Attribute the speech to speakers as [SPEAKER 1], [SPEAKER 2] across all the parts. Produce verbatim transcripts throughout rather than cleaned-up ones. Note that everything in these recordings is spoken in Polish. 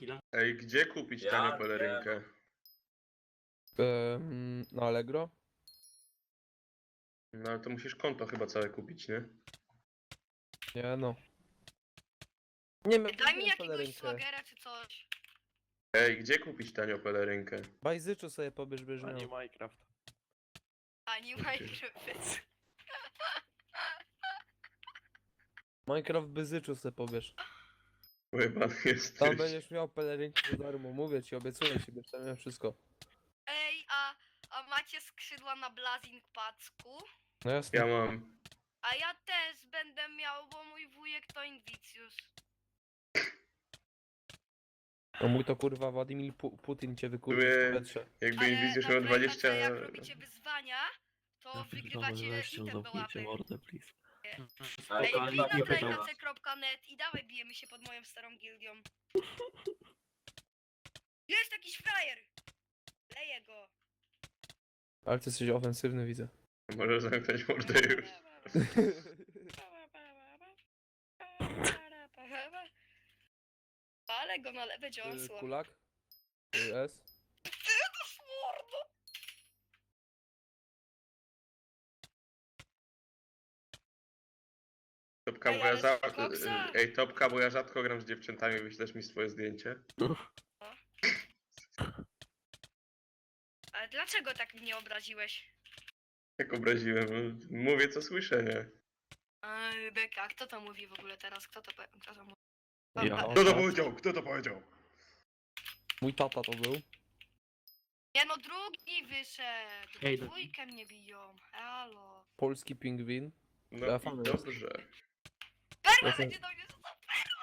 [SPEAKER 1] chwilę.
[SPEAKER 2] Ej, gdzie kupić
[SPEAKER 3] Ja
[SPEAKER 2] tanią
[SPEAKER 3] wiem.
[SPEAKER 2] pelerynkę?
[SPEAKER 4] Ehm, na Allegro?
[SPEAKER 2] No ale to musisz konto chyba całe kupić, nie?
[SPEAKER 4] Nie no. Nie wiem,
[SPEAKER 5] Daj mi jakiegoś swagera czy coś.
[SPEAKER 2] Ej, gdzie kupić tanią pelerynkę?
[SPEAKER 4] Bajzyczu sobie pobierz, będziesz
[SPEAKER 1] A nie
[SPEAKER 4] miał.
[SPEAKER 1] Minecraft.
[SPEAKER 5] Ani Minecraft.
[SPEAKER 4] Minecraft Byzyczu sobie pobierz.
[SPEAKER 2] Chyba jest.
[SPEAKER 4] Tam będziesz miał pelerynkę za darmo, mówię ci, obiecuję ci, będziesz tam miał wszystko.
[SPEAKER 5] Ej, a, a macie skrzydła na Blazing Packu?
[SPEAKER 4] No jasne.
[SPEAKER 2] Ja mam.
[SPEAKER 5] A ja też będę miał, bo mój wujek to Invictus.
[SPEAKER 4] No mój to kurwa Władimir Pu Putin cię wykurzył
[SPEAKER 2] Były-
[SPEAKER 4] w powietrze.
[SPEAKER 2] Jakby
[SPEAKER 5] Ale
[SPEAKER 2] Invis
[SPEAKER 5] na
[SPEAKER 2] miał
[SPEAKER 5] Playtime,
[SPEAKER 2] dwadzieścia.
[SPEAKER 5] jak robicie wyzwania, to wygrywacie item do łapy.
[SPEAKER 1] mordę, please.
[SPEAKER 5] Ej,
[SPEAKER 3] Ale
[SPEAKER 5] wbij na
[SPEAKER 3] nie pytał was.
[SPEAKER 5] playkace kropka net i dawaj bijemy się pod moją starą gildią. Jest jakiś frajer! Leję go.
[SPEAKER 4] Ale ty jesteś ofensywny, widzę.
[SPEAKER 2] Może zamknąć mordę już.
[SPEAKER 5] Ale go na lewe
[SPEAKER 4] Y,
[SPEAKER 5] dziąsło.
[SPEAKER 4] Kulak? Y, S?
[SPEAKER 5] Mordo!
[SPEAKER 2] Topka,
[SPEAKER 5] Ej,
[SPEAKER 2] bo ja
[SPEAKER 5] ale
[SPEAKER 2] za...
[SPEAKER 5] z koksa?
[SPEAKER 2] Ej, Topka, bo ja rzadko gram z dziewczętami, wyślesz mi swoje zdjęcie?
[SPEAKER 5] Ale dlaczego tak mnie obraziłeś?
[SPEAKER 2] Jak obraziłem? Mówię co słyszę, nie?
[SPEAKER 5] Ej, Beka, kto to mówi w ogóle teraz? Kto to, pe- kto to mówi?
[SPEAKER 1] Ja.
[SPEAKER 2] Kto to powiedział? Kto to powiedział?
[SPEAKER 4] Mój tata to był.
[SPEAKER 5] Nie no, drugi wyszedł.
[SPEAKER 1] Ej, do-
[SPEAKER 5] Dwójkę mnie biją. Halo.
[SPEAKER 4] Polski pingwin.
[SPEAKER 2] No
[SPEAKER 4] Ja
[SPEAKER 2] i
[SPEAKER 4] fan
[SPEAKER 2] dobrze.
[SPEAKER 5] Perma
[SPEAKER 4] Jestem-
[SPEAKER 5] będzie do mnie rzucał.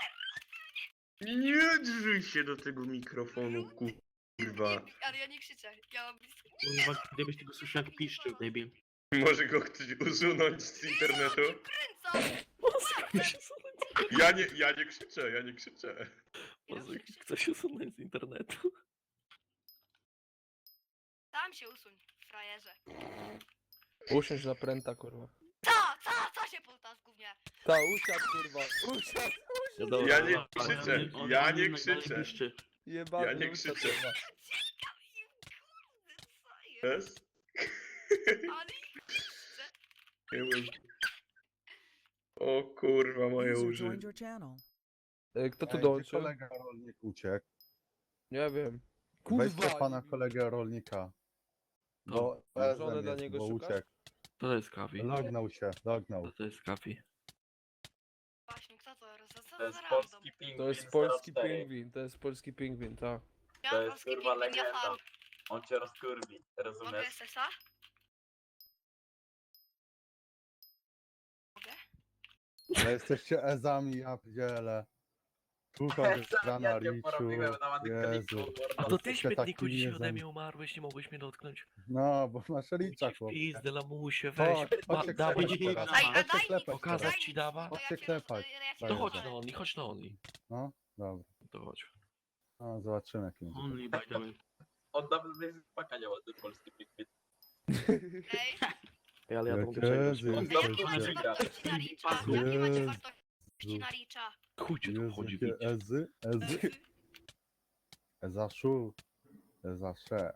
[SPEAKER 2] Nie drzyj się do tego mikrofonu, kurwa.
[SPEAKER 5] Nie, ale ja nie krzyczę. Ja mam blisko.
[SPEAKER 1] Kurwa, gdybyś tego słyszał jak piszczy, debil.
[SPEAKER 2] Może go ktoś usunąć z internetu?
[SPEAKER 5] Kręcam!
[SPEAKER 2] Ja nie, ja nie krzyczę, ja nie krzyczę.
[SPEAKER 5] Ja
[SPEAKER 1] Może
[SPEAKER 5] nie krzyczę.
[SPEAKER 1] ktoś usunąć z internetu.
[SPEAKER 5] Tam się usuń, frajerze.
[SPEAKER 4] Usiądź na pręta, kurwa.
[SPEAKER 5] Co? Co? Co się pulta z gównie?
[SPEAKER 4] Ta, usiadł, kurwa. Usiadł.
[SPEAKER 2] Ja nie krzyczę, ja nie krzyczę.
[SPEAKER 1] Piszczy.
[SPEAKER 4] Jebany,
[SPEAKER 2] Ja nie
[SPEAKER 4] usiadł,
[SPEAKER 2] krzyczę.
[SPEAKER 4] kurwa.
[SPEAKER 5] Ciekam im, kurde, co jest?
[SPEAKER 2] Jest?
[SPEAKER 5] Ale ich krzyczę.
[SPEAKER 2] Nie wiem. O kurwa, moje
[SPEAKER 6] User
[SPEAKER 2] uszy.
[SPEAKER 6] joined your channel.
[SPEAKER 4] Y, Kto tu
[SPEAKER 7] Ej, gdzie
[SPEAKER 4] dołączył?
[SPEAKER 7] kolega rolnik uciekł?
[SPEAKER 4] Nie wiem.
[SPEAKER 7] Weźcie pana
[SPEAKER 4] nie-
[SPEAKER 7] kolegę rolnika.
[SPEAKER 1] No,
[SPEAKER 7] Bo
[SPEAKER 4] żonę
[SPEAKER 7] Ezem
[SPEAKER 4] dla
[SPEAKER 7] jest,
[SPEAKER 4] niego
[SPEAKER 7] bo
[SPEAKER 4] szukasz?
[SPEAKER 7] uciekł.
[SPEAKER 1] To jest kawi.
[SPEAKER 7] Lognął się, lognął.
[SPEAKER 1] To jest kawi.
[SPEAKER 5] Właśnie, kto to? Co, co
[SPEAKER 3] To jest
[SPEAKER 5] za random?
[SPEAKER 3] polski pingwin
[SPEAKER 4] To jest polski
[SPEAKER 3] zero cztery.
[SPEAKER 4] pingwin, to jest polski pingwin, tak.
[SPEAKER 5] Ja
[SPEAKER 3] To jest
[SPEAKER 5] polski
[SPEAKER 3] kurwa
[SPEAKER 5] pingwin, ja
[SPEAKER 3] legenda.
[SPEAKER 5] fan.
[SPEAKER 3] On cię rozkurwi,
[SPEAKER 5] Mogę
[SPEAKER 3] rozumiesz?
[SPEAKER 5] S S a? Mogę?
[SPEAKER 7] Ale jesteście ezami, ja pierdzielę. Słuchaj, rana
[SPEAKER 3] Ja cię
[SPEAKER 7] Riciu.
[SPEAKER 3] porobiłem na Madykroniku,
[SPEAKER 7] Jezu.
[SPEAKER 1] A to ty
[SPEAKER 7] Jesteście
[SPEAKER 1] śmietniku
[SPEAKER 7] takimi
[SPEAKER 1] dzisiaj ode
[SPEAKER 7] ezami.
[SPEAKER 1] mnie umarłeś, nie mogłeś mnie dotknąć.
[SPEAKER 7] No, bo masz Richa,
[SPEAKER 1] Idź w
[SPEAKER 7] chłop.
[SPEAKER 1] pizdę, lamusie, weź.
[SPEAKER 7] Chodź,
[SPEAKER 1] Ma,
[SPEAKER 7] chodźcie
[SPEAKER 1] dawaj
[SPEAKER 7] klepać
[SPEAKER 1] ci
[SPEAKER 7] teraz.
[SPEAKER 5] Ej, a
[SPEAKER 7] Chodźcie
[SPEAKER 5] daj mi,
[SPEAKER 7] klepać
[SPEAKER 1] Pokazać
[SPEAKER 7] teraz.
[SPEAKER 5] daj
[SPEAKER 1] ci
[SPEAKER 5] mi,
[SPEAKER 1] dawa?
[SPEAKER 5] to ja
[SPEAKER 7] Chodźcie
[SPEAKER 5] cię
[SPEAKER 7] klepać.
[SPEAKER 5] roz- ja cię
[SPEAKER 1] To
[SPEAKER 7] Daj,
[SPEAKER 1] chodź
[SPEAKER 5] rozwalę.
[SPEAKER 1] na Only, chodź na Only.
[SPEAKER 7] No, dobra.
[SPEAKER 1] To chodź.
[SPEAKER 7] No, zobaczymy jak będzie.
[SPEAKER 1] Only, by the way.
[SPEAKER 3] On dawno nie spaka nie ma ten polski pingwin.
[SPEAKER 5] Ej,
[SPEAKER 1] Ej, ale ja to
[SPEAKER 7] Jak
[SPEAKER 1] mogę przegrać.
[SPEAKER 7] Jezu,
[SPEAKER 5] a
[SPEAKER 7] jesteście.
[SPEAKER 5] jakie macie
[SPEAKER 3] wygra.
[SPEAKER 5] wartości na Ricza? Jakie macie wartości na Ricza?
[SPEAKER 1] Chuj cię tu
[SPEAKER 7] Jezu,
[SPEAKER 1] chodzi,
[SPEAKER 7] jakie
[SPEAKER 1] widzisz.
[SPEAKER 7] ezy, ezy. Ezaszu. Ezasze.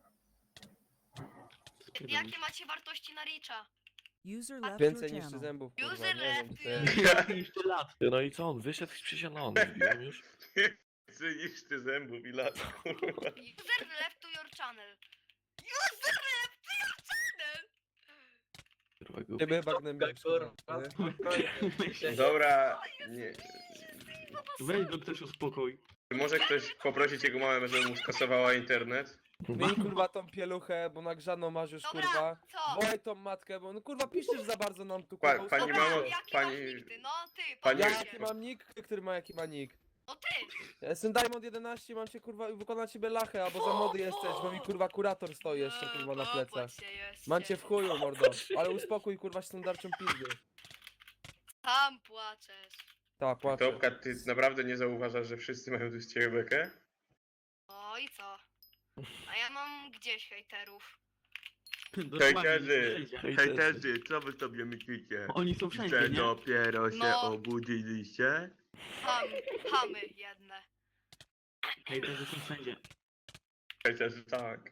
[SPEAKER 5] Jakie macie wartości na Ricza?
[SPEAKER 6] User left your
[SPEAKER 4] Więcej niż trzy
[SPEAKER 6] channel.
[SPEAKER 4] zębów, kurwa,
[SPEAKER 5] User
[SPEAKER 4] nie wiem,
[SPEAKER 5] left
[SPEAKER 4] to
[SPEAKER 5] you.
[SPEAKER 4] jest...
[SPEAKER 1] Jeszcze lat. No i co on? Wyszedł z przysiad na Only, wbiłem już.
[SPEAKER 2] Więcej niż ty zębów i lat, kurwa.
[SPEAKER 5] User left to your channel. User left to your channel!
[SPEAKER 1] Kurwa, głupi.
[SPEAKER 4] Ciebie chyba gnębiłem,
[SPEAKER 3] Kurwa,
[SPEAKER 4] kurwa, nie?
[SPEAKER 3] spokojnie.
[SPEAKER 2] Dobra, nie.
[SPEAKER 1] Weź go ktoś uspokój.
[SPEAKER 2] Czy może ktoś poprosić jego mamę, żeby mu skasowała internet?
[SPEAKER 4] Miej kurwa tą pieluchę, bo nagrzaną masz już,
[SPEAKER 5] Dobra,
[SPEAKER 4] kurwa.
[SPEAKER 5] co?
[SPEAKER 4] Wołaj tą matkę, bo no kurwa piszesz za bardzo nam tu,
[SPEAKER 2] Pa-
[SPEAKER 4] kurwa.
[SPEAKER 2] pani
[SPEAKER 4] uspokój
[SPEAKER 2] mamo,
[SPEAKER 4] się.
[SPEAKER 5] jaki
[SPEAKER 2] pani-
[SPEAKER 5] masz nick ty? No ty,
[SPEAKER 2] pani-
[SPEAKER 4] Ja
[SPEAKER 5] powiedz
[SPEAKER 4] jaki
[SPEAKER 5] się.
[SPEAKER 4] mam nick? Ty, który ma jaki ma nick?
[SPEAKER 5] No ty!
[SPEAKER 4] Ja jestem Diamond jedenaście, mam cię kurwa wykonać ciebie lachę, albo za mody jesteś, bo mi kurwa kurator stoi jeszcze kurwa na plecach.
[SPEAKER 5] Popatrz się jeszcze.
[SPEAKER 4] Mam cię w chuju, mordo. Ale uspokój kurwa się tą darczą pizdy.
[SPEAKER 5] Tam płaczesz.
[SPEAKER 4] Tak, płaczę.
[SPEAKER 2] Topka, ty naprawdę nie zauważasz, że wszyscy mają tu z ciebie bekę?
[SPEAKER 5] No i co? A ja mam gdzieś hejterów.
[SPEAKER 2] Hejterzy,
[SPEAKER 1] Hejterzy.
[SPEAKER 2] hejterzy, co wy sobie myślicie?
[SPEAKER 1] Oni są
[SPEAKER 2] Że
[SPEAKER 1] wszędzie, nie?
[SPEAKER 2] dopiero się
[SPEAKER 5] No.
[SPEAKER 2] obudziliście?
[SPEAKER 5] Ham, hamy jedne.
[SPEAKER 6] Hejterzy są wszędzie.
[SPEAKER 2] Przecież tak.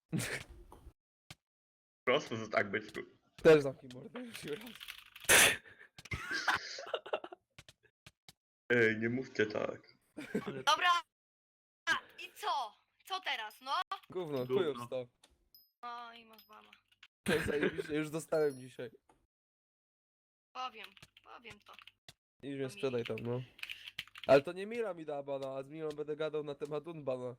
[SPEAKER 2] Prosto, że tak byczku.
[SPEAKER 4] Też zamknij mordę już raz.
[SPEAKER 2] Ej, nie mówcie tak.
[SPEAKER 6] Ale
[SPEAKER 5] Dobra. A, i co? Co teraz, no?
[SPEAKER 4] Gówno,
[SPEAKER 6] Gówno.
[SPEAKER 4] chujów sto.
[SPEAKER 5] No i masz bana.
[SPEAKER 4] Zajebiście, już dostałem dzisiaj.
[SPEAKER 5] Powiem, powiem to.
[SPEAKER 4] Idź mnie sprzedaj tam, no. Ale to nie Mira mi da bana, a z Mirą będę gadał na temat Unbana.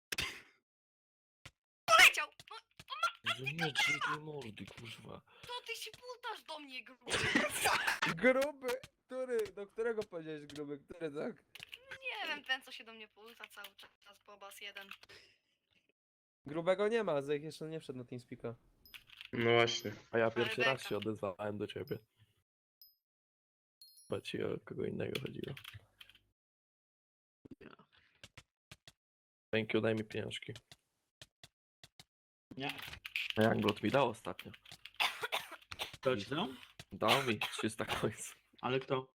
[SPEAKER 5] Poleciał! No,
[SPEAKER 1] Że nie, drzwi tej mordy, kurwa.
[SPEAKER 5] to ty się pultasz do mnie, gruby.
[SPEAKER 4] Gruby! Który? Do którego powiedziałeś gruby? Który, tak?
[SPEAKER 5] Nie wiem, ten co się do mnie pulta cały czas, Bobas jeden.
[SPEAKER 4] Grubego nie ma, Zech jeszcze nie wszedł na TeamSpeaka.
[SPEAKER 2] No właśnie.
[SPEAKER 1] A ja pierwszy raz
[SPEAKER 5] beka.
[SPEAKER 1] się odezwałem do ciebie. Chyba ci o kogo innego chodziło. Thank you, daj mi pieniążki.
[SPEAKER 6] nie.
[SPEAKER 1] A jak Blot mi dał ostatnio?
[SPEAKER 6] Kto ci dał?
[SPEAKER 1] Dał mi trzysta końców.
[SPEAKER 6] Ale kto?